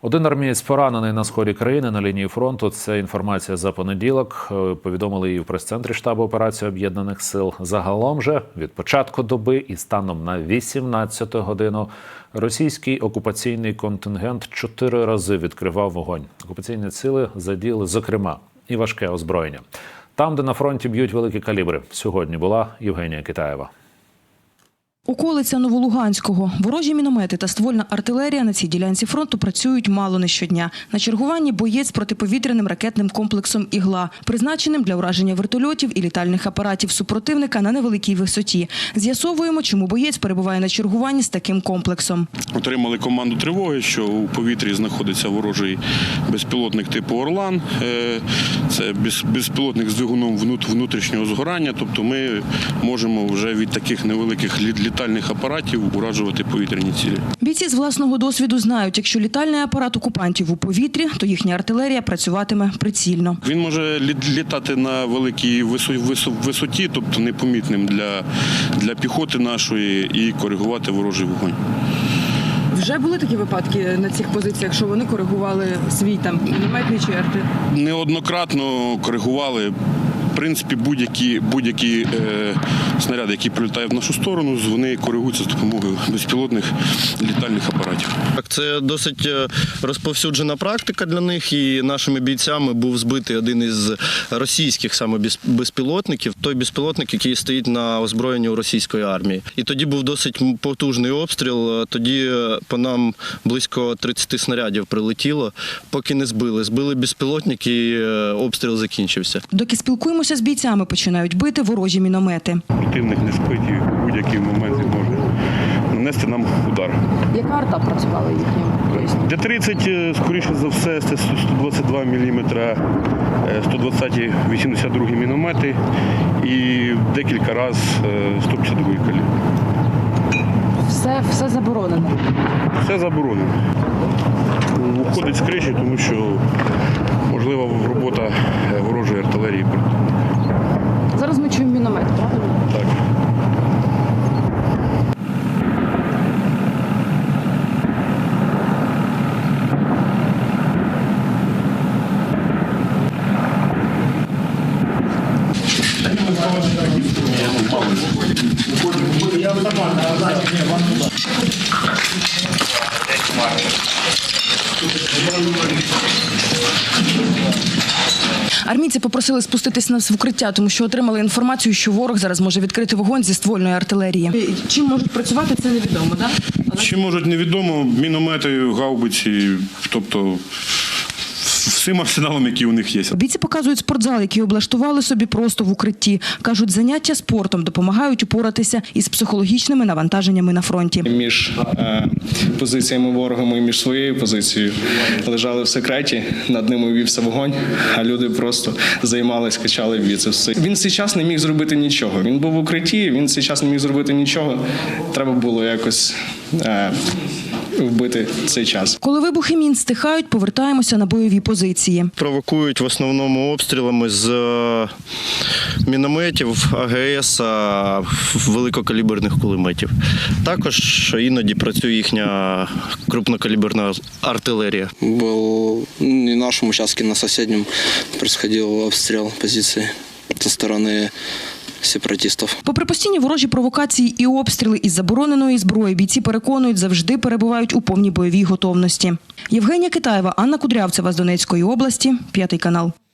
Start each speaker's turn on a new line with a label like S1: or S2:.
S1: Один армієць поранений на сході країни на лінії фронту. Це інформація за понеділок. Повідомили її в прес-центрі штабу операції Об'єднаних сил. Загалом же від початку доби і станом на 18-ту годину російський окупаційний контингент 4 рази відкривав вогонь. Окупаційні сили задіяли, зокрема, і важке озброєння. Там, де на фронті б'ють великі калібри. Сьогодні була Євгенія Китаєва.
S2: Околиця Новолуганського. Ворожі міномети та ствольна артилерія на цій ділянці фронту працюють мало не щодня. На чергуванні боєць з протиповітряним ракетним комплексом «Ігла», призначеним для ураження вертольотів і літальних апаратів супротивника на невеликій висоті. З'ясовуємо, чому боєць перебуває на чергуванні з таким комплексом.
S3: Отримали команду тривоги, що у повітрі знаходиться ворожий безпілотник типу «Орлан». Це безпілотник з двигуном внутрішнього згорання, тобто ми можемо вже від таких невеликих літальних апаратів уражувати повітряні цілі.
S2: Бійці з власного досвіду знають, якщо літальний апарат окупантів у повітрі, то їхня артилерія працюватиме прицільно.
S3: Він може літати на великій висоті, тобто непомітним для піхоти нашої, і коригувати ворожий вогонь.
S4: Вже були такі випадки на цих позиціях, що вони коригували свій мінометний чи арти?
S3: Неоднократно коригували. В принципі, будь-які снаряди, які прилітають в нашу сторону, вони коригуються з допомогою безпілотних літальних апаратів.
S5: Це досить розповсюджена практика для них, і нашими бійцями був збитий один із російських саме безпілотників, той безпілотник, який стоїть на озброєнні у російської армії. І тоді був досить потужний обстріл, тоді по нам близько 30 снарядів прилетіло, поки не збили. Збили безпілотник і обстріл закінчився.
S2: Доки спілкуємося з бійцями, починають бити ворожі міномети.
S3: Противник не спить і в будь-який момент може нанести нам удар.
S4: Яка арта працювала їхнім?
S3: Д-30, скоріше за все, це 122 мм, 120-ті 82-гі міномети і декілька разів 152-й калібр.
S4: Все заборонено?
S3: Все заборонено. Уходить з криші, тому що можлива робота ворожої артилерії.
S4: Зараз ми чуємо міномет, правильно?
S3: Так.
S2: Армійці попросили спуститись нас в укриття, тому що отримали інформацію, що ворог зараз може відкрити вогонь зі ствольної артилерії. Чим можуть працювати, це невідомо, так?
S3: Чим можуть, невідомо. Міномети, гаубиці, тобто всім арсеналом, який у них є.
S2: Бійці показують спортзал, який облаштували собі просто в укритті. Кажуть, заняття спортом допомагають упоратися із психологічними навантаженнями на фронті.
S6: Між позиціями ворогами і між своєю позицією лежали в секреті, над ними вівся вогонь, а люди просто займались, качали біцепси. Він цей час не міг зробити нічого. Він був в укритті, він цей час не міг зробити нічого. Треба було якось вбити цей час.
S2: Коли вибухи мін стихають, повертаємося на бойові позиції.
S5: Провокують в основному обстрілами з мінометів, АГС, великокаліберних кулеметів. Також іноді працює їхня крупнокаліберна артилерія.
S7: Был не в нашем участке, на соседнем происходил обстрел позиции со стороны сепаратистів.
S2: Попри постійні ворожі провокації і обстріли із забороненої зброї, бійці переконують, завжди перебувають у повній бойовій готовності. Євгенія Китаєва, Анна Кудрявцева з Донецької області, 5 канал.